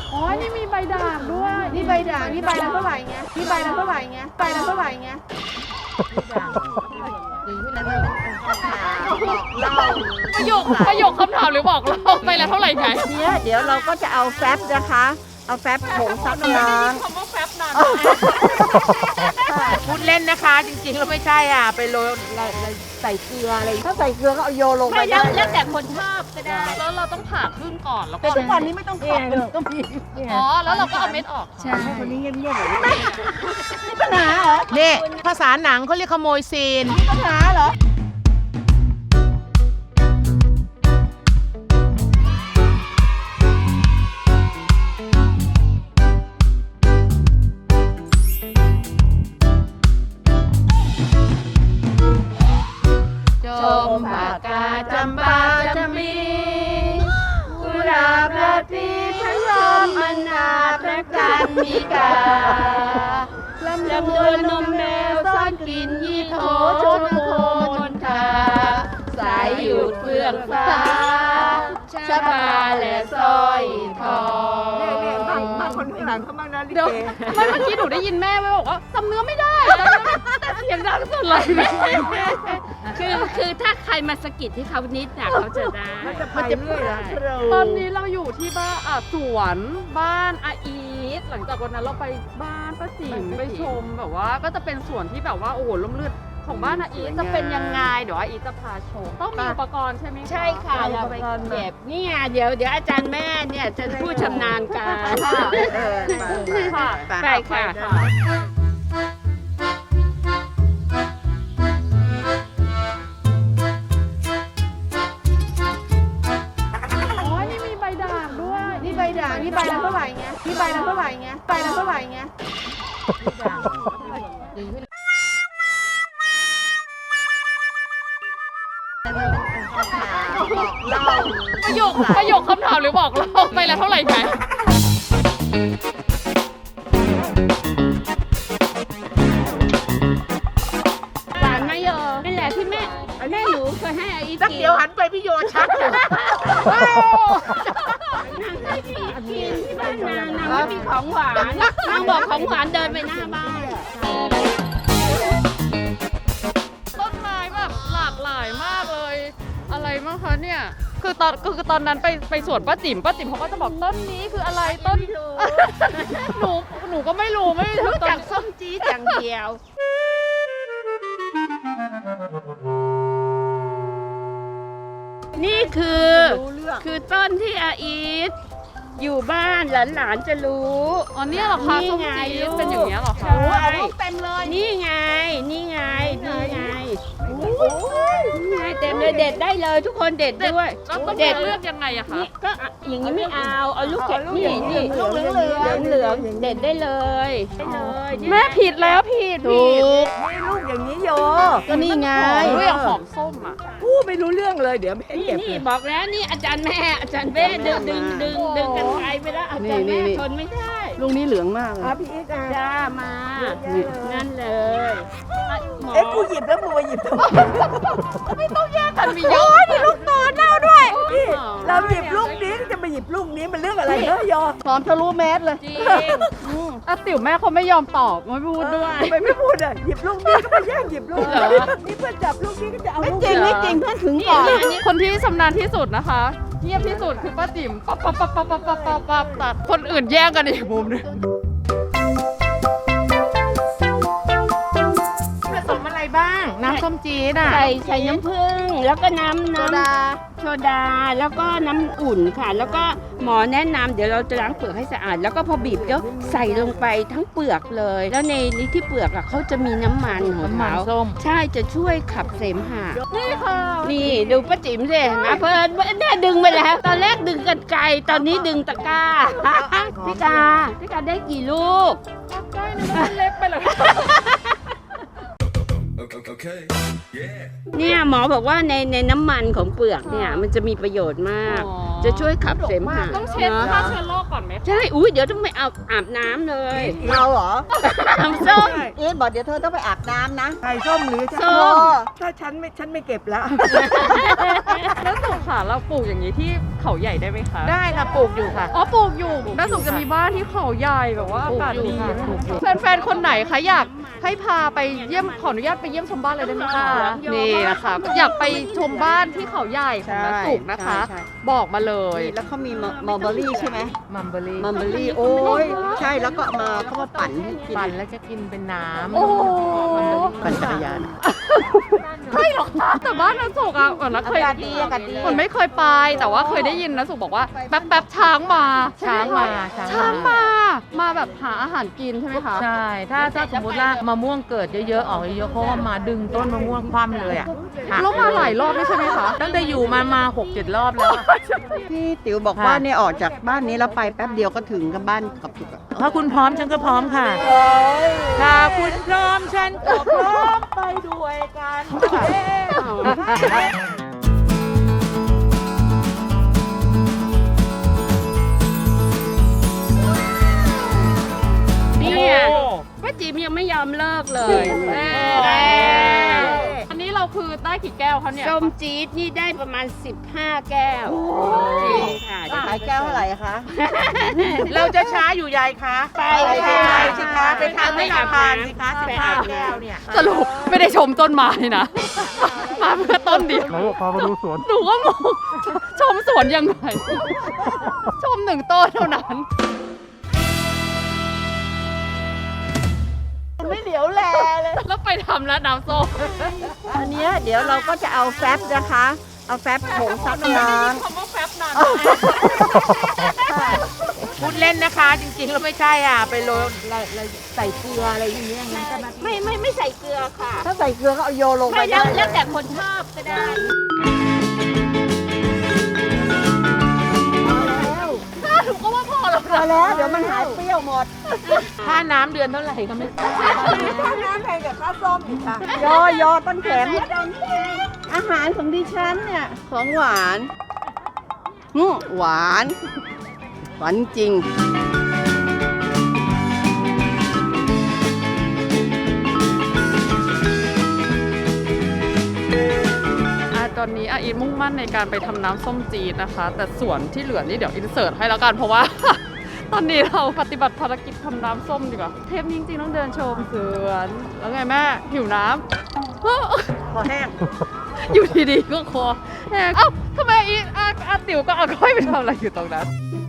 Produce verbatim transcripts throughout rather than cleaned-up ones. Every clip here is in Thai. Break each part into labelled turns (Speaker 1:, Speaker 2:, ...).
Speaker 1: อ๋อนี่มีใบด่างด้วย
Speaker 2: นี่ใบด่างนี่ใบละเท่าไหร่เงี้ยนี่ใบละเท่าไหร่เงี้ยใบละเท่าไหร่เงี้ยดีขึ้นแล้วมันเป็นคำถามบอกเล่า
Speaker 1: ประโยคประโยคคำถามหรือบอกเราใบละเท่าไหร่ไง
Speaker 2: เนี้ยเดี๋ยวเราก็จะเอาแฟบนะคะเอาแฟบผงซักน้
Speaker 1: คำว่าแฟบนาน
Speaker 2: ำพูดเล่นนะคะจริงๆแล้วไม่ใช่อ่ะไปโรยใส่เกลืออะไรถ้าใส่เกลือก็เอาโยลงไป
Speaker 3: ไม่
Speaker 2: ได้
Speaker 3: แล้วแล้วแต่คนชอบก็ได้
Speaker 1: แล้วเราต้องผ่าครึ่งก่อนแล้วก็
Speaker 2: แต่ทุกวันนี้ไม่ต้องขอบก็มี
Speaker 1: อ๋อแล้วเราก็เอาเม็ดออก
Speaker 3: ใช่
Speaker 2: คนนี้เงียบๆเลยมีปัญหาเหรอเนี่ยภาษาหนังเขาเรียกขโมยซีนมีปัญหาเหรอจมปากกาจำปาจำมีกุหลาบราตรีพระรอมอนาพระจันทร์มีกาลำดวนนมแมวซ่อนกลิ่นยี่โถชนโคมนทาสายหยุดเฟื่องฟ้าชะบาและสร้อยทองเนี่ยบางบางคนข้างหลังเขาบ้างนะลิ
Speaker 1: เดี๋ยว
Speaker 2: เก
Speaker 1: ไม่เมื่อกี้หนูได้ยินแม่ไว้บอกว่าจำเนื้อไม่ได้แต่เสียงดังสุดเลย
Speaker 3: คือคือถ้าใครมาสะกิดที่เขานิดน่ะเขาจะได้
Speaker 2: มันจะเรื่อยนะ
Speaker 1: ตอนนี้เราอยู่ที่บ้านอ่ะสวนบ้านอาอีทหลังจากวันนั้นเราไปบ้านป้าจิ๋มไปชมแบบว่าก็จะเป็นสวนที่แบบว่าโอ้โหร่มรื่นของบ้านอาอีทจะเป็นยังไงเดี๋ยวอาอีทจะพาชมต้องมีอุปกรณ์ใช่ไหม
Speaker 3: ใช่ค่ะเราไปเก็บนี่ไงเดี๋ยวเดี๋ยวอาจารย์แม่เนี่ยจะผู้ชำนาญการ
Speaker 2: เออไป
Speaker 1: ค่ะ
Speaker 3: ไปค่ะ
Speaker 1: อ๋อนี่มีใบด่างด้วย
Speaker 2: นี่ใบด่างนี่ใบละเท่าไหร่เงี้ยนี่ใบละเท่าไหร่เงี้ยใบละเท่าไหร่เงี้ยดีขึ้นบอกเล่า
Speaker 1: ประโยคประโยคคำถามหรือบอกเราใบละเท่าไหร่ไง
Speaker 3: หวานไหมโยนี่แหละที่แม่แม่หนูเคยให้อาอี
Speaker 2: สัก
Speaker 3: กิน
Speaker 2: เดี๋ยวหันไปพี่โยชักเลย
Speaker 3: นางให้พี่กินที่บ้านนางนางไม่มีของหวานนางบอกของหวานเดินไปหน้าบ้าน
Speaker 1: ต้นไม้แบบหลากหลายมากเลย อะไรบ้างคะเนี่ยคือตอนคือตอนนั้นไปไปสวนป้าจิ๋มป้าจิ๋มเขาก็จะบอกต้นนี้คืออะไรต้นหนูหนูก็ไม่รู้ไม่รู้
Speaker 3: รู้
Speaker 1: ต้
Speaker 3: จั
Speaker 1: น
Speaker 3: กส้มจี๊ดอย่างเดียว นี่คือคือต้นที่อาอีทอยู่บ้านหลานๆจะรู้
Speaker 1: อ๋อเนี่ยเหรอคะ
Speaker 3: นี่
Speaker 1: ส้ม
Speaker 3: ไง
Speaker 1: จี๊
Speaker 3: ลู
Speaker 1: ด
Speaker 3: ก
Speaker 1: เป็นอย่างเงี้ยเหรอคะ
Speaker 3: ใช่
Speaker 2: เต็มเลย
Speaker 3: นี่ไง นี่ไง นี่ไงนี่ไงเต็มเลยเด็ดได้เลยทุกคนเด็ดด้วย
Speaker 1: แล้วต้อง
Speaker 3: เด็ด
Speaker 1: เลือกยังไงอะคะ
Speaker 3: นี่ก็อ่ะอย่างนี้ไม่เอา เอาลูกเข็ดนี่นี่
Speaker 2: ลูกเหลืองเหลือง
Speaker 3: เหลืองๆเด็ดได้เลยได้เลยนี่
Speaker 1: แม่ผิดแล้วผิด
Speaker 2: ถู
Speaker 1: ผิด
Speaker 2: กนี่ลูกอย่างนี้โยก็นี่ไง
Speaker 1: เรื่องหอมส้มอะ
Speaker 2: พูดไม่รู้เรื่องเลยเดี๋ยวแม่
Speaker 3: นี่
Speaker 2: เก็บ
Speaker 3: นี่บอกแล้วนี่อาจารย์แม่อาจารย์แม่ดึงดึงดึงดึงกันไกลไปแล้วอาจารย์แม่ทนไม่ได้
Speaker 2: ลูกนี้เหลืองมากเลยพี่อีกอ่ะ
Speaker 3: จ้ามานั่นเลย
Speaker 2: เอ๊ะกูหยิบแล้วมึงมาหยิบทำไม
Speaker 1: มันมีเยอะ
Speaker 2: นี่ลูกโตเน่าด้วยนี่เราหยิบลูกนี้จะมาหยิบลูกนี้มันเรื่องอะไรเนอะโยพร้อมทะลุแมสเลย
Speaker 3: จริง
Speaker 1: อ่ะติ๋วแม่เขาไม่ยอมตอบไม่พูดด้วย
Speaker 2: ทำไมไม่พูดอ่ะหยิบลูกนี้ก็มาแย่งหยิบลูก
Speaker 1: เหรอ
Speaker 2: นี่เพื่อนจับลูกนี้ก็จะเอาลูก
Speaker 1: จริงไม่จริง
Speaker 2: เพื่อนถึง
Speaker 3: นี่
Speaker 2: ก่อน
Speaker 3: อันนี้
Speaker 1: คนที่ชำนาญที่สุดนะคะเงียบที่สุดคือป้าจิ๋มปั๊บปั๊บปั๊บปั๊บปั๊บปั๊บปั๊บปั๊บตัดคนอื่นแย่งกันอีกมุมนึง
Speaker 2: ผสมอะไรบ้าง น้ำส้มจี๊ดอ่ะ
Speaker 3: ใส่ใส่น้ำผึ้งแล้วก็น้ำ
Speaker 2: โซ
Speaker 3: น้ำ
Speaker 2: ดา
Speaker 3: โซดาแล้วก็น้ำอุ่นค่ะ แล้วก็หมอแนะนำเดี๋ยวเราจะล้างเปลือกให้สะอาด แล้วก็พอบีบแล้วใส่ลงไปทั้งเปลือกเลย แล้วในนี้ที่เปลือกอ่ะเขาจะมีน้ำมันของ
Speaker 2: น้ำมัน
Speaker 3: เขา
Speaker 2: ส้ม
Speaker 3: ใช่จะช่วยขับเสมหะ
Speaker 1: นี่ค่ะ
Speaker 3: นี่ดูป้าจิ๋มสินะเพิ่นแน่ดึงไปแล้ว ตอนแรกดึงกันไกลตอนนี้ดึงตะกร้า พี่กาพี่กาได้กี่ลูก
Speaker 1: ใกล้นะมันเล็กไปเลย
Speaker 4: Okay. Yeah.
Speaker 3: เนี่ยหมอบอกว่าในในน้ำมันของเปลือกเนี่ยมันจะมีประโยชน์มาก
Speaker 1: อ๋อ
Speaker 3: จะช่วยขับเสมหะ
Speaker 1: ต้องเช็ด
Speaker 3: เนอะ
Speaker 1: ฆ่าเชื้อโรคก่อนไหมคะ
Speaker 3: ใช่อุ้ยเดี๋ยวต้องไปอาบอาบน้ำเลย
Speaker 2: เราเหรอ
Speaker 3: น้ำส้ม
Speaker 2: เอ๊ะบอกเดี๋ยวเธอต้องไปอาบน้ำนะ
Speaker 5: ไข่ส้มหรือฉัน
Speaker 3: ส้ม
Speaker 5: ถ้าฉันไม่ฉันไม่เก็บแล้ว
Speaker 1: แล้วสุขค่ะเราปลูกอย่างนี้ที่เขาใหญ่ได้ไหมคะ
Speaker 6: ได้ค่ะปลูกอยู่ค่ะ
Speaker 1: อ๋อปลูกอยู่น้าสุขจะมีบ้านที่เขาใหญ่แบบว่าอากาศดี
Speaker 6: ปลูกอยู่ค่ะปลูกอยู่
Speaker 1: แฟนๆคนไหนคะอยากให้พาไปเยี่ยมขออนุญาตไปเยี่ยมชมบ้านเลยได้ไหมคะนี่นะคะอยากไปชมบ้านที่เขาใหญ่ของน้าสุขนะคะ
Speaker 2: ใช่
Speaker 1: บอกมาเลย
Speaker 2: แล้วเขามีมอลเบอรี่ใช่ไหม
Speaker 6: มัมเบอรี่
Speaker 2: มัลเบอรี่โอ้ยใช่แล้วก็มาเขามาปั่นให้กิน
Speaker 6: ปั่นแล้วจะกินเป็นน้ำ
Speaker 1: โอ้โห
Speaker 2: ปั่นจักรยาน
Speaker 1: ใช่เหรอคะแต่บ้านน้าสุขอะเหมือนน้าเคย
Speaker 2: อากาศดีอากาศดี
Speaker 1: มันไม่เคยไปแต่ว่าเคยได้ยินน้าสุขบอกว่าแป๊บแป๊บๆช้างมา
Speaker 6: ช้างมา
Speaker 1: ช้างมา มาแบบหาอาหารกินใช่ไหมคะ
Speaker 6: ใช่ ถ้าถ้าสมมติว่ามะม่วงเกิดเยอะๆออกเยอะๆเพราะว่ามาดึงต้นมะม่วงคว่ำเลยอ่ะหัก
Speaker 1: แล้วมาหลายรอบด้วยใช่ไหมคะ
Speaker 6: ตั้งแต่อยู่มามาหกเจ็ดรอบแล้วอะ
Speaker 2: พี่ติ๋วบอกว่าเนี่ยออกจากบ้านนี้แล้วไปแป๊บเดียวก็ถึงกับบ้านกับจุกอะ
Speaker 6: ถ้าคุณพร้อมฉันก็พร้อมค่ะ ถ้าคุณพร้อมฉันก็พร้อมไปด้วยกันค่ะ
Speaker 3: เนี่ยป้าจิ๋มยังไม่ยอมเลิกเลยเออ
Speaker 1: อันนี้เราคือได้กี่แก้วคะเนี่ย
Speaker 3: ส้มจี๊ดนี่ได้ประมาณ สิบห้า แก้วจริงค่ะ
Speaker 2: ขายแก้วเท่าไหร่คะ
Speaker 6: เราจะช้าอยู่ยายคะ
Speaker 3: ไป
Speaker 6: ไป
Speaker 3: ค่ะ
Speaker 6: สิคะไปทานให้เราทานสิคะสิบห้าแก้วเนี่ย
Speaker 1: สรุปไม่ได้ชมต้นไม้นะ มาเพื่อต้นเดียว
Speaker 7: ไหนบอกพามาดูสวน
Speaker 1: หนูก็งงชมสวนยังไง ชมหนึ่งต้นเท่านั้น
Speaker 2: ไม่เหลียวแลเลย
Speaker 1: แล้วไปทำแล้วน้ำส้ม
Speaker 2: อันเนี้ยเดี๋ยวเราก็จะเอาแฟบนะคะ เอาแฟบผงซักน้
Speaker 1: คำว่าแฟบนาน
Speaker 6: พูดเล่นนะคะ จริงๆแล้วไม่ใช่อ่ะ ไปโรยใส่เกลืออะไรอย่างเงี้ยงั้นก็มา
Speaker 3: ไม่ไม่ไม่ใส่เกลือค่ะ
Speaker 2: ำถ้าใส่เกลือก็เอาโยนลงไป
Speaker 3: ไม่
Speaker 2: ได้
Speaker 3: แล้วแล้วแต่คนชอบก็ได้
Speaker 1: หนูก็ว่าพอแล้ว
Speaker 2: พอแล้วเดี๋ยวมันหายเปรี้ยวหมด
Speaker 6: ค่าน้ำเดือนเท่าไหร่ก็ไม่
Speaker 2: ค่าน้ำแพงกับค่าส้มอีกค่ะโยโยต้นแขมอาหารของดิฉันเนี่ยของหวานอืมหวานหวานจริง
Speaker 1: อ่ะตอนนี้อาอินมุ่งมั่นในการไปทำน้ำส้มจีดนะคะ แต่ส่วนที่เหลือนี่เดี๋ยวอินเสิร์ตให้แล้วกันเพราะว่า ตอนนี้เราปฏิบัติภารกิจทำน้ำส้มดีกว่าเทปนี้จริงๆต้องเดินชมสวนแล้วไงแม่หิวน้ำ
Speaker 2: พอแห้ง
Speaker 1: อยู่ดีๆก็คอแห้งเอ้าทำไมอีอาอาติ๋วก็อาก้อยไปทำอะไรอยู่ตรงนั้น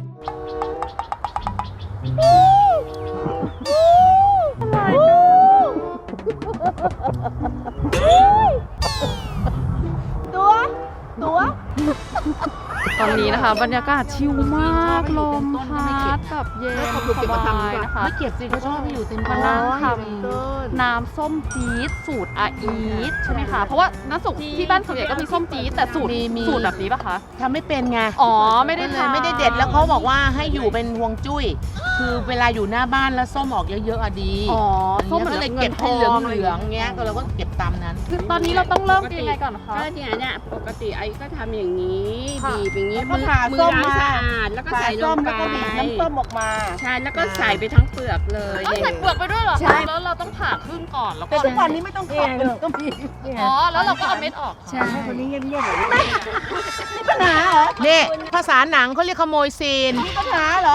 Speaker 2: ตัว ตัว
Speaker 1: ตอนนี้นะคะบรรยากาศชิลมากลมพัดแบบเย็นสบายนะคะ
Speaker 6: ไม่เก็บสิเขาชอบให้อยู่เต็ม
Speaker 1: มานั่งทำน้ำส้มจี๊ดสูตรอาอีทใช่ไหมคะเพราะว่าน้าสุกที่บ้านส่วนใหญ่ก็มีส้มจี๊ดแต่สูตรสูตรแบบนี้ปะคะ
Speaker 6: ทำไม่เป็นไง
Speaker 1: อ๋อไม่ได้
Speaker 6: ก็เลย
Speaker 1: ทำ
Speaker 6: ไม่ได้เด็ดแล้วเขาบอกว่าให้อยู่เป็นฮวงจุ้ย คือเวลาอยู่หน้าบ้านแล้วส้มออกเยอะๆอะดี
Speaker 1: อ๋อส้
Speaker 6: ส้
Speaker 1: ม
Speaker 6: ม
Speaker 1: เหมือน
Speaker 6: ก็เลย
Speaker 1: เงิ
Speaker 6: เก็
Speaker 1: น
Speaker 6: บ
Speaker 1: ท
Speaker 6: ให้
Speaker 1: อง
Speaker 6: เหลือง
Speaker 1: อะไร
Speaker 6: เหลืองๆเงี้ยก็เราก็เก็บตามนั้น
Speaker 1: คือตอนนี้เราต้องเริ่มกินยังไงก่อนคะ
Speaker 3: ก็เนี่ยเนี่ยปกติไอ้ก็ทำอย่างนี้
Speaker 1: ค่ะ
Speaker 3: บีบอย่างนี้
Speaker 2: แล้วก็
Speaker 3: มือ
Speaker 2: ผ่า
Speaker 3: มื
Speaker 2: ส้
Speaker 3: อ
Speaker 2: ม
Speaker 3: ล้าง
Speaker 2: มา
Speaker 3: สะอาดแล้วก็
Speaker 2: ใส่
Speaker 3: ใส่ล
Speaker 2: ส้
Speaker 3: ง
Speaker 2: ม
Speaker 3: ไป
Speaker 2: แล้วก็บีบน้ำส้มออกมา
Speaker 3: ใช่แล้วก็ใส่ไปทั้งเปลือกเลย
Speaker 1: ต้องใส่เปลือกไปด้วยเหรอ
Speaker 3: ใช่
Speaker 1: คะแล้วเราต้องผ่าครึ่งก่อนแล้วก็
Speaker 2: แต่ทุกวันนี้ไม่ต้องขอก็มี
Speaker 1: อ๋อแล้วเราก็เอาเม็ดออก
Speaker 3: ใช่
Speaker 2: คนนี้เงียบๆแบบนี้มีปัญหาเหรอ
Speaker 6: นี่ภาษาหนังเขาเรียกขโมยซีน
Speaker 2: มีปัญหาเหรอ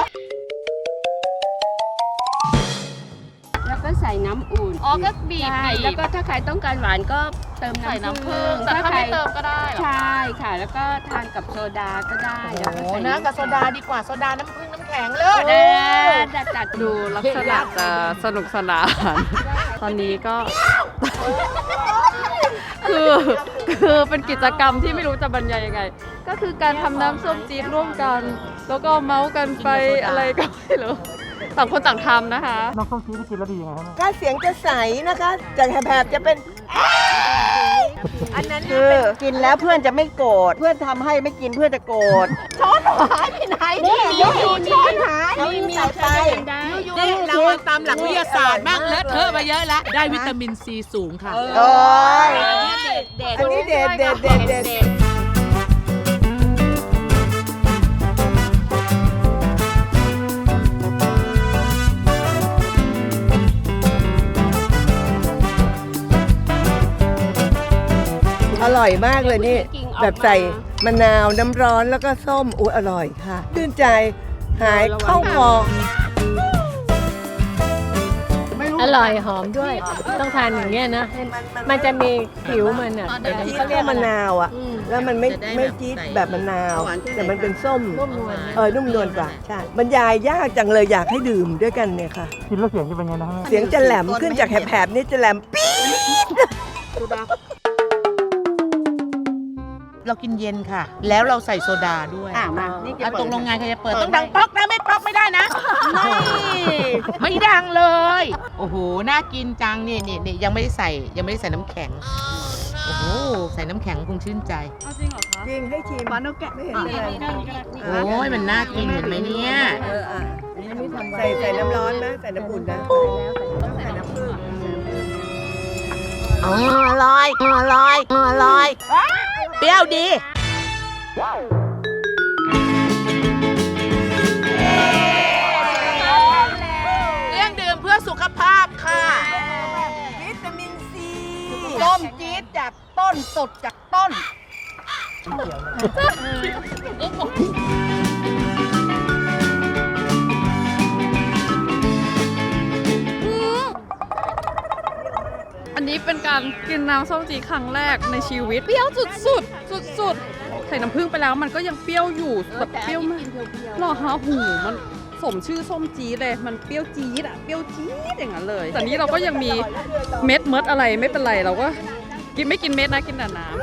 Speaker 3: แล้วก็ใส่น้ำอุ่น
Speaker 1: อ๋อก็บีบ
Speaker 3: ใช่
Speaker 1: บี
Speaker 3: แล้ว
Speaker 1: บ
Speaker 3: ก็ถ้าใครต้องการหวานก็เติม
Speaker 1: ใส่
Speaker 3: น้ำ
Speaker 1: น้ำ
Speaker 3: ผึ้
Speaker 1: ผึ้
Speaker 3: ง
Speaker 1: งแต่ถ้าไม่เติมก็ได้เหรอ
Speaker 3: ใช่ค่ะ แล้วก็ทานกับโซดาก็ได้
Speaker 6: โอ้
Speaker 3: แล้ว
Speaker 6: โห
Speaker 3: ก็ใส่
Speaker 6: นะกับโซดาดีกว่าโซดาน้ำผึ้งน้ำแข็งเลย
Speaker 3: เออจัดจัด
Speaker 1: ดูลักษณะจะสนุกสนาน ตอนนี้ก็ คือคือเป็นกิจกรรมที่ไม่รู้จะบรรยายยังไง ก็คือการทำน้ำส้มจี๊ดร่วมกัน แล้วก็เมาส์กันไปอะไรก็ไม่รู้ต่างคนต่างทำนะคะ
Speaker 7: น้ำส้มจี๊ดที่กินแล้วดียังไงครับ
Speaker 2: ก็เสียงจะใสนะคะจากแหบๆจะเป็น
Speaker 6: อันนั้น
Speaker 2: คือกินแล้วเพื่อนจะไม่โกรธ เพื่อนทำให้ไม่กินเพื่อนจะโกรธ ช้อนหายไปไหนนี่อยู่ช้อนหายเอานิ้วใส่ไป
Speaker 3: ได้
Speaker 2: นี่เราอะ
Speaker 6: นตามหลักวิทยาศาสตร์มากเลอะเทอะมาเยอะแล้ว ได้วิตามินซีสูงค่ะ
Speaker 5: โอ้ย
Speaker 3: อันนี้เด็ดเด็ด
Speaker 5: อันนี้เด็ดเด็ดเด็ดเด็ดอร่อยมากเลยนี่ แบบใส่มะนาวน้ำร้อนแล้วก็ส้มอุ้ยอร่อยค่ะชื่นใจหายเข้าคอ
Speaker 2: อร่อยหอมด้วย ต้องทานอย่างเงี้ยนะให้มันจะมีผิวมันอ่ะเดี๋ยว
Speaker 5: จี๊ด
Speaker 2: เขาเรี
Speaker 5: แค่
Speaker 2: ยก
Speaker 5: มะนาวอ่ะ
Speaker 2: อืม
Speaker 5: แล้วมันไม่
Speaker 6: จะได้
Speaker 5: ไม่
Speaker 6: แบบ
Speaker 5: จี๊ด
Speaker 6: ใส่
Speaker 5: แบบมะนาว แต่มันเป็นส้ม
Speaker 2: นุ่มนวล
Speaker 5: เออนุ่มนวลกว่าใช่บรรยายยากจังเลยอยากให้ดื่มด้วยกันเนี่ยค่ะ
Speaker 7: กินแล้วเสียงจะเป็นไงนะแม่
Speaker 5: เสียงจะแหลมขึ้นจากแหบๆนี่จะแหลมปี๊ด
Speaker 6: เรากินเย็นค่ะ แล้วเราใส่โซดาด้วย
Speaker 3: อ่ะมานี่
Speaker 6: อ่ะตกลงงานใครจะเปิดต้องดังป๊อกนะไม่ป๊อกไม่ได้นะไม่ไม่ดังเลย โอ้โหน่ากินจังนี่นี่นี่ยังไม่ได้ใส่ยังไม่ได้ใส่น้ำแข็งโอ้โหใส่น้ำแข็งคงชื่นใจ
Speaker 1: เอาจริงเหรอคะ
Speaker 5: จริงให้ชิมปลาโนแกะไม่เห็นเป็นไร
Speaker 6: โอ้ยมันน่ากินเห็นไหมเนี่ย
Speaker 5: เอออ่ะใส่ใส่น้ำร้อนนะใส่น้ำอุ่นนะใส่น้ำผึ้ง
Speaker 6: อ๋ออร่อยอร่อยอร่อยเปรี้ยวดีเรื่องดื่มเพื่อสุขภาพค่ะ
Speaker 5: วิตามินซี
Speaker 6: ส้มจี๊ดจากต้นสดจากต้น
Speaker 1: อันนี้เป็นการกินน้ำส้มจีดครั้งแรกในชีวิตเปรี้ยวสุดสุดสุดสุดๆใส่น้ำผึ้งไปแล้วมันก็ยังเปรี้ยวอยู่แบบเปรี้ยวมากหรอฮะหูมันสมชื่อส้มจี๊ดเลยมันเปรี้ยวจี๊ดอะเปรี้ยวจี๊ดอย่างนั้นเลยแต่นี้เราก็ยังมีเม็ดเม็ดอะไรไม่เป็นไรเราก็กินไม่กินเม็ดนะกินแต่น้ำ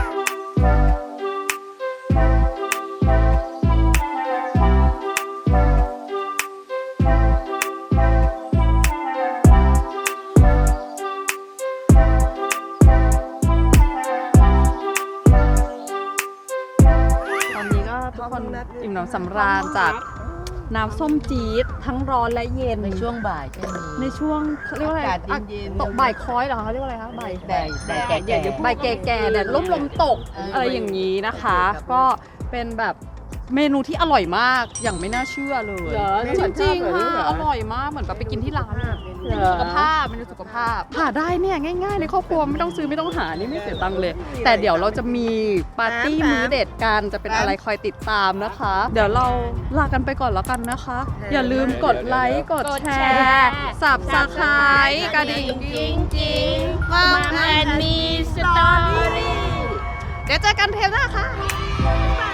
Speaker 1: ตอนนี้ก็ทุกคนอิ่มหนำสำราญจากน้ำส้มจี๊ดทั้งร้อนและเย็น
Speaker 6: ในช่วงบ่ายจะมี
Speaker 1: ในช่วงเขาเรียกว่าอะไร
Speaker 6: อากาศเย็นๆ
Speaker 1: ตกบ่ายคล้อยเหรอคะเขาเรียกว่าอะไรคะบ่าย
Speaker 6: แดดแดดแก่
Speaker 1: บ่ายแก่ๆแดดร่มลมตกอะไรอย่างนี้นะคะ ก็เป็นแบบเมนูที่อร่อยมากอย่างไม่น่าเชื่อเลย
Speaker 3: เหรอ
Speaker 1: จริงๆค่ะอร่อยมากเหมือนแบบไปกินที่ร้านอะเป็นสุขภาพเป็นสุขภาพหาได้เนี่ยง่ายๆในครอบครัวไม่ต้องซื้อไม่ต้องหานี่ไม่เสียตังค์เลย แต่เดี๋ยวเราจะมีปาร์ตี้มื้อเด็ดกันจะเป็นอะไรคอยติดตามนะคะ เดี๋ยวเราลากันไปก่อนแล้วกันนะคะ อย่าลืมกดไลค์กดแชร์สับสไครต์กระดิ่ง
Speaker 3: จริงจริงมาแอนมีสตอรี่
Speaker 1: เดี๋ยวเจอกันเทปหน้าค่ะ